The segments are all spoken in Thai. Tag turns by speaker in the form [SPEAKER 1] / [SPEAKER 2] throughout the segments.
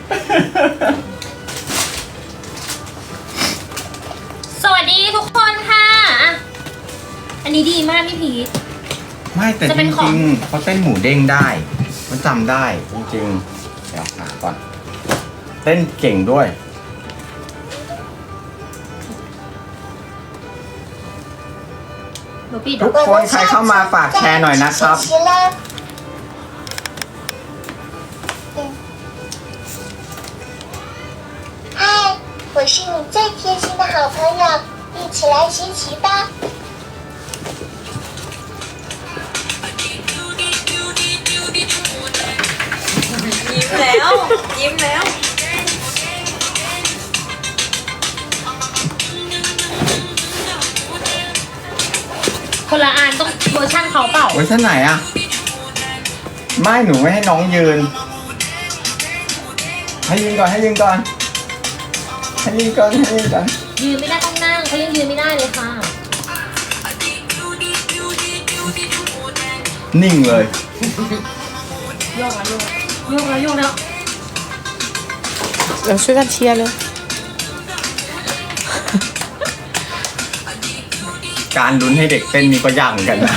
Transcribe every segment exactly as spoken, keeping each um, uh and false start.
[SPEAKER 1] สวัสดีทุกคนค่ะอันนี้ดีมากพี่พีท
[SPEAKER 2] ไม่แต่จริงๆเขาเต้นหมูเด้งได้มันจำได้จริงๆเดี๋ยวหาก่อนเต้นเก่งด้วยทุกคนใครเข้ามาฝากแชร์หน่อยนะครับ
[SPEAKER 3] 嗨，我是你最贴心的好朋友，一起来学习吧。
[SPEAKER 4] ยิ้มแล้วยิ้มแล้ว
[SPEAKER 1] คนละอันต้องเวอร์ชั่นเขาเปล่า
[SPEAKER 2] เวอร์ชันไหนอะไม่หนูไม่ให้น้องยืนให้ยืนก่อนให้ยืนก่อนให้ยืนก่อนให้ยืนก่อน
[SPEAKER 1] ยืนไม่ได้ต้องนั่งเขายังยืนไม่ได้เลยค่ะ
[SPEAKER 2] นิ่งเลย
[SPEAKER 1] โยกแล้วโยกโยกแล้วโยกแล้ว
[SPEAKER 4] เราช่วยกันเชียร์เลย
[SPEAKER 2] การลุ้นให้เด็กเต้นนี่ก็ยากเหมือนกันนะ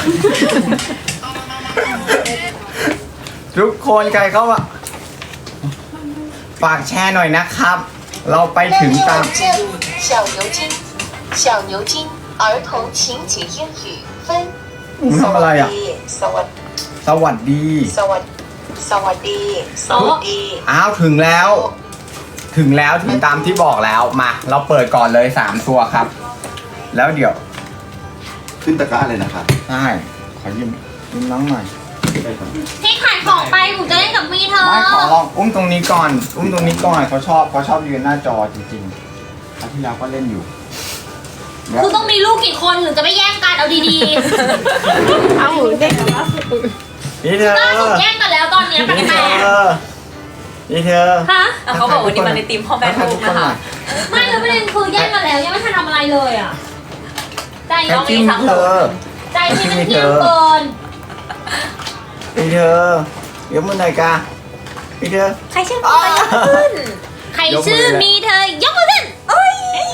[SPEAKER 2] ทุกคนใครเข้ามาฝากแชร์หน่อยนะครับ เราไปถึงตาม
[SPEAKER 3] 小牛津，小牛津儿童情景英语分。
[SPEAKER 2] ทำอะไรอ่ะ
[SPEAKER 3] สวัสดี
[SPEAKER 2] สวัสดี
[SPEAKER 3] สวัสดีสวัสดีสวัสดี
[SPEAKER 2] อ้าวถึงแล้ว ถึงแล้วถึงตามที่บอกแล้วมาเราเปิดก่อนเลยสามตัวครับ แล้วเดี๋ยว
[SPEAKER 5] ขึ้นตะกร้าเลยนะครับ
[SPEAKER 2] ใช่ขอยืมยืมน้องหน่อย
[SPEAKER 1] พี่ขายของไปหนูจะเล่นกับมีเธอ
[SPEAKER 2] ไม่ขอลองอุ้มตรงนี้ก่อน อุ้มตรงนี้ก่อนเขาชอบเขาชอบยืนหน้าจอจริงๆครั้งที่แล้วก็เล่นอยู่เดี๋ยว
[SPEAKER 1] คือต้องมีลูกกี่คนถึงจะไม่แย่งกันเอาดี
[SPEAKER 4] เอาเด็ก
[SPEAKER 2] นี่เธอ
[SPEAKER 1] ๆล่าสุดแย่งกันแล้วตอนเนี้ย
[SPEAKER 2] นี่
[SPEAKER 1] แป
[SPEAKER 2] เธ
[SPEAKER 1] ล
[SPEAKER 2] อก นี่เธอ
[SPEAKER 1] ๆฮะ
[SPEAKER 4] เขาบอกวันนี้มาในทีมพ่อแม่ลูกนะคะ
[SPEAKER 1] ไม่แล้วประเด็นคือแย่งกันแล้วยังไม่ทันทำอะไรเลยอ่ะใจ
[SPEAKER 2] แค่
[SPEAKER 1] น้อง
[SPEAKER 2] จิ้
[SPEAKER 1] มี
[SPEAKER 2] ม
[SPEAKER 1] ทั้งหม
[SPEAKER 2] เธ
[SPEAKER 1] ด
[SPEAKER 2] อ
[SPEAKER 1] ใจที่มันเที่ยงเกิน
[SPEAKER 2] นี่เธอยกมือหน่อยกานี่เธอ
[SPEAKER 4] ใครชื่อพ่อแม่ขึ้น
[SPEAKER 1] ใครชื่อมีเธอยกมือขึ้น
[SPEAKER 4] โอ้ย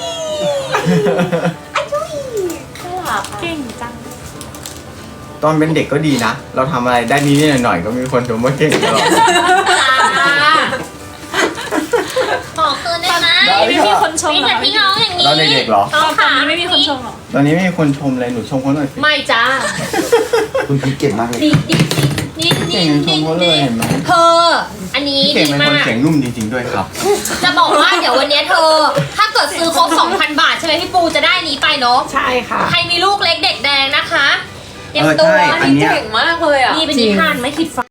[SPEAKER 4] อาจุยเก่งจัง
[SPEAKER 2] ตอนเป็นเด็กก็ดีนะ เราทำอะไรได้นิดๆหน่อยๆก็มีคนชมว่าเก่งตลอด
[SPEAKER 1] ขอคืนได้ไหม
[SPEAKER 2] ได้
[SPEAKER 4] ไม่มีคนชม
[SPEAKER 1] มี
[SPEAKER 4] หร
[SPEAKER 1] แต่
[SPEAKER 4] อ
[SPEAKER 1] พี่น้องอย่างนี้
[SPEAKER 2] เราเด็กๆเหรอ
[SPEAKER 1] น้องขา
[SPEAKER 4] ไม่มีคนชมหรอ
[SPEAKER 2] ตอนนี้ไม่มีคนชมเลยหนูชมเขาหน่อยสิ
[SPEAKER 1] ไม่จ้า
[SPEAKER 5] คุณพีเก่งมากเลย
[SPEAKER 1] ดิดิดิดิ
[SPEAKER 2] เก่งชมเขาเลยเห็นไหม
[SPEAKER 1] เธอ อันนี้
[SPEAKER 2] พี่เก่ง
[SPEAKER 1] ดี
[SPEAKER 2] เป็นคน
[SPEAKER 1] มาก
[SPEAKER 2] เสียงนุ่มจริงๆด้วยครับ
[SPEAKER 1] จะบอกว่าเดี๋ยววันนี้เธอ ถ้าเกิดซื้อครบ สองพัน บาทใช่ไหมพี่ปูจะได้นี้ไปเนาะ
[SPEAKER 4] ใช่ค่ะ
[SPEAKER 1] ใครมีลูกเล็กเด็กแดงนะคะเตรียม
[SPEAKER 2] เออ
[SPEAKER 1] ตัว
[SPEAKER 2] ใช่อันเนี้ย
[SPEAKER 4] เก่งมากเลยอ่ะ
[SPEAKER 1] นี่เป็นนิทานไม่คิดฝัน